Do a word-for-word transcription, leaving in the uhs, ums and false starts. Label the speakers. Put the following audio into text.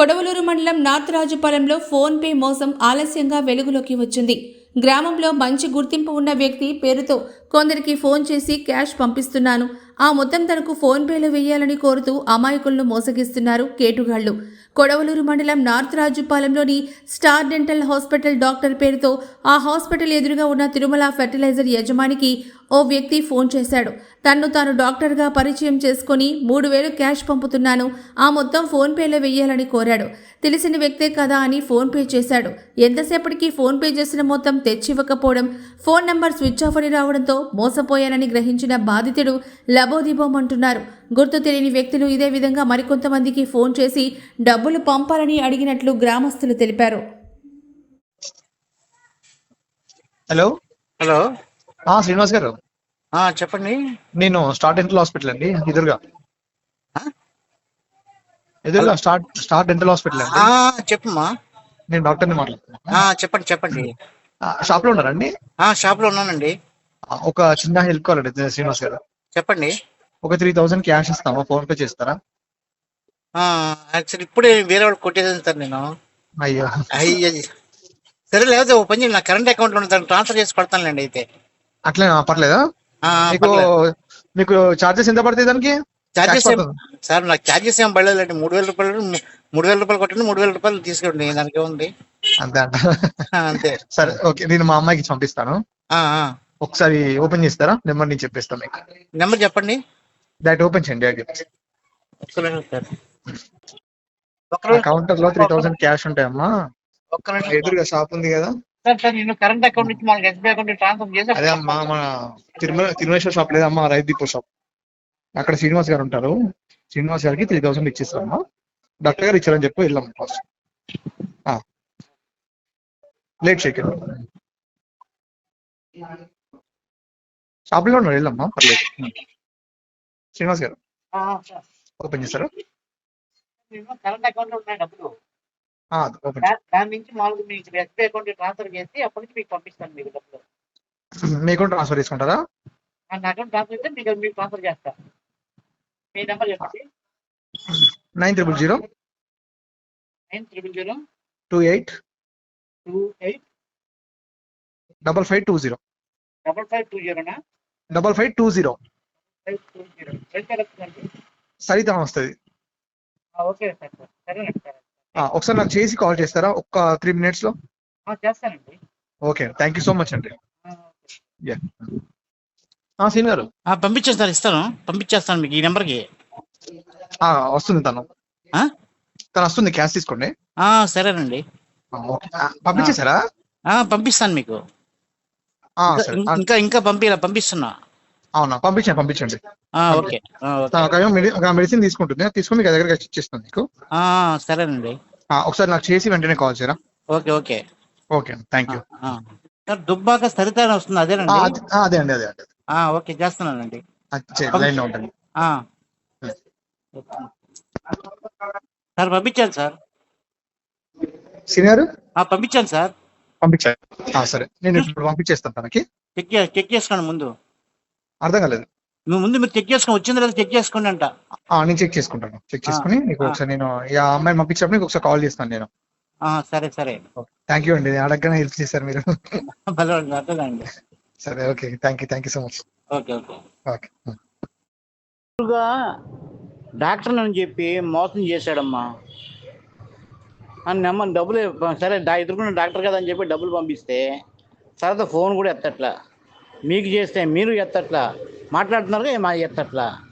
Speaker 1: కొడవలూరు మండలం నార్తరాజుపాలెంలో phone pay మోసం ఆలస్యంగా వెలుగులోకి వచ్చింది. గ్రామంలో మంచి గుర్తింపు ఉన్న వ్యక్తి పేరుతో కొందరికి ఫోన్ చేసి క్యాష్ పంపిస్తున్నాను, ఆ మొత్తం తనకు ఫోన్ పేలో వేయాలని కోరుతూ అమాయకులను మోసగిస్తున్నారు కేటుగాళ్లు. కొడవలూరు మండలం నార్తరాజుపాలెంలోని స్టార్ డెంటల్ హాస్పిటల్ డాక్టర్ పేరుతో ఆ హాస్పిటల్ ఎదురుగా ఉన్న తిరుమల ఫెర్టిలైజర్ యజమానికి ఓ వ్యక్తి ఫోన్ చేశాడు. తన్ను తాను డాక్టర్గా పరిచయం చేసుకుని మూడు వేలు క్యాష్ పంపుతున్నాను, ఆ మొత్తం ఫోన్ పేలో వెయ్యాలని కోరాడు. తెలిసిన వ్యక్తే కదా అని ఫోన్ పే చేశాడు. ఎంతసేపటికి ఫోన్ పే చేసిన మొత్తం తెచ్చివ్వకపోవడం, ఫోన్ నంబర్ స్విచ్ ఆఫ్ అని రావడంతో మోసపోయానని గ్రహించిన బాధితుడు లబోదిబోమంటున్నారు. గుర్తు తెలియని వ్యక్తులు ఇదే విధంగా మరికొంతమందికి ఫోన్ చేసి డబ్బులు పంపాలని అడిగినట్లు గ్రామస్తులు తెలిపారు.
Speaker 2: హలో
Speaker 3: హలో
Speaker 2: శ్రీనివాస్ గారు,
Speaker 3: చెప్పండి.
Speaker 2: నేను స్టార్ డెంటల్ హాస్పిటల్ అండి, ఎదురుగా ఎదురుగా స్టార్ స్టార్ డెంటల్ హాస్పిటల్ అండి.
Speaker 3: చెప్పమ్మా.
Speaker 2: నేను డాక్టర్ని మాట్లాడుతున్నా.
Speaker 3: చెప్పండి చెప్పండి.
Speaker 2: షాప్ లో ఉన్నారండి?
Speaker 3: షాప్ లో ఉన్నానండి.
Speaker 2: ఒక చిన్న హెల్ప్ కావాలండి శ్రీనివాస్ గారు.
Speaker 3: చెప్పండి.
Speaker 2: ఒక త్రీ థౌసండ్ క్యాష్ ఇస్తాము, ఫోన్ పే చేస్తారా?
Speaker 3: యాక్చువల్లీ ఇప్పుడే వేరే వాళ్ళు కొట్టేసాను సార్ నేను.
Speaker 2: అయ్యో
Speaker 3: అయ్యో సరే, లేకపోతే ఓ పని నా కరెంట్ అకౌంట్ లో దాన్ని ట్రాన్స్ఫర్ చేసి కొడతానులేండి. అయితే
Speaker 2: అట్లే పర్లేదా? మీకు మీకు చార్జెస్ ఎంత పడుతుంది దానికి?
Speaker 3: చార్జెస్ సార్ నాకు చార్జెస్ ఏం పడలేదండి. మూడు వేల రూపాయలు మూడు వేల రూపాయలు కొట్టండి, మూడు వేల రూపాయలు తీసుకోండి, దానికి ఏముంది.
Speaker 2: అంతే అంట.
Speaker 3: అంతే.
Speaker 2: సరే ఓకే, నేను మా అమ్మాయికి పంపిస్తాను. ఒకసారి ఓపెన్ చేస్తారా? నెంబర్ నేను చెప్పేస్తాను మీకు.
Speaker 3: నెంబర్ చెప్పండి.
Speaker 2: డైరెక్ట్ ఓపెన్ చేయండి. కౌంటర్ లో త్రీ థౌసండ్ క్యాష్ ఉంటాయమ్మా. ఎదురుగా షాప్ ఉంది కదా
Speaker 3: సార్, నేను కరెంట్ అకౌంట్ నుంచి మనకి ఎస్బీఐ అకౌంట్ ట్రాన్స్ఫర్ చేసి.
Speaker 2: అదే అమ్మా, మన తిరుమల తిరుమలేశ్వర షాప్ లేదమ్మా, రైతు దీపో షాప్. అక్కడ శ్రీనివాస్ గారు ఉంటారు. శ్రీనివాస్ గారికి త్రీ థౌసండ్ ఇచ్చేస్తామమ్మా. డాక్టర్ గారు ఇచ్చారని చెప్పి వెళ్ళాం ఫస్ట్. లేట్ చేయకండి, షాప్ లో ఉన్నారు, వెళ్ళమ్మా పర్లేదు. శ్రీనివాస్ గారు ఓపెన్ చేస్తారు.
Speaker 3: కరెంట్ అకౌంట్ లో ఉన్నాయి డబ్బులు,
Speaker 2: ఓపెన్
Speaker 3: దాని నుంచి మామూలుగా మీకు ఎస్బీఐ అకౌంట్ ట్రాన్స్ఫర్ చేసి అప్పటి నుంచి మీకు పంపిస్తాను. మీకు డబ్బులు
Speaker 2: మీ అకౌంట్ ట్రాన్స్ఫర్ చేసుకుంటారా?
Speaker 3: నా అకౌంట్ ట్రాన్స్ఫర్ చేస్తే మీకు మీకు ట్రాన్స్ఫర్ చేస్తా. మీ నెంబర్ చెప్పండి.
Speaker 2: Nine triple zero
Speaker 3: nine triple zero
Speaker 2: two eight
Speaker 3: two eight
Speaker 2: double five two zero
Speaker 3: double five two జీరోనా
Speaker 2: double five two zero
Speaker 3: five two zero వస్తుందండి.
Speaker 2: సరితా వస్తుంది.
Speaker 3: ఓకే సార్, సరేనండి సార్.
Speaker 2: ఒకసారి నాకు చేసి కాల్ చేస్తారా ఒక్క త్రీ మినిట్స్ లో?
Speaker 3: చేస్తానండి.
Speaker 2: Okay, thank you so much అండి. సీన్ గారు
Speaker 3: పంపించాను సార్, ఇస్తాను, పంపించేస్తాను మీకు ఈ నెంబర్కి.
Speaker 2: వస్తుంది తను తను వస్తుంది, క్యాష్ తీసుకోండి.
Speaker 3: సరేనండి,
Speaker 2: పంపించేశారా?
Speaker 3: పంపిస్తాను మీకు. ఇంకా ఇంకా పంపి పంపిస్తున్నా.
Speaker 2: అవునా, పంపించండి పంపించండి.
Speaker 3: ఓకే,
Speaker 2: మెడిసిన్ తీసుకుంటుంది, తీసుకుని మీకు దగ్గర ఇచ్చేస్తాను మీకు.
Speaker 3: సరేనండి,
Speaker 2: ఒకసారి నాకు చేసి వెంటనే కాల్ చేయరా?
Speaker 3: Okay okay
Speaker 2: okay, thank you.
Speaker 3: Sir Dubbaka Saritha వస్తుంది, అదేనండి?
Speaker 2: అదే అండి, అదే అండి.
Speaker 3: ఓకే, చేస్తున్నానండి.
Speaker 2: లైన్ లో ఉంటుంది.
Speaker 3: సార్ పంపించాను సార్.
Speaker 2: సీనియర్
Speaker 3: పంపించాను సార్.
Speaker 2: పంపించాను. సరే, నేను ఇప్పుడు పంపించేస్తాను తనకి.
Speaker 3: చెక్ చెక్ చేసుకోండి ముందు.
Speaker 2: అర్థం కాలేదు.
Speaker 3: నువ్వు ముందు మీరు చెక్ చేసుకోండి, వచ్చింది లేదా చెక్ చేసుకోండి అంట.
Speaker 2: నేను చెక్ చేసుకుంటాను. చెక్ చేసుకుని నీకు ఒకసారి నేను ఆ అమ్మాయిని పంపించినప్పుడు నీకు ఒకసారి కాల్ చేస్తాను నేను.
Speaker 3: సరే సరే,
Speaker 2: థ్యాంక్ యూ అండి, అడగగానే హెల్ప్ చేశారు మీరు.
Speaker 3: అర్థండి.
Speaker 2: సరే, okay, thank you thank you so much.
Speaker 3: Okay okay
Speaker 2: okay.
Speaker 3: Doctor అని చెప్పి మోసం చేశాడమ్మా. నెమ్మ డబ్బులు సరే ఎదుర్కొన్న డాక్టర్ కదా అని చెప్పి డబ్బులు పంపిస్తే తర్వాత ఫోన్ కూడా ఎత్తట్లా. మీకు చేస్తే మీరు ఎత్తట్లా, మాట్లాడుతున్నారు మా ఎత్తట్లా.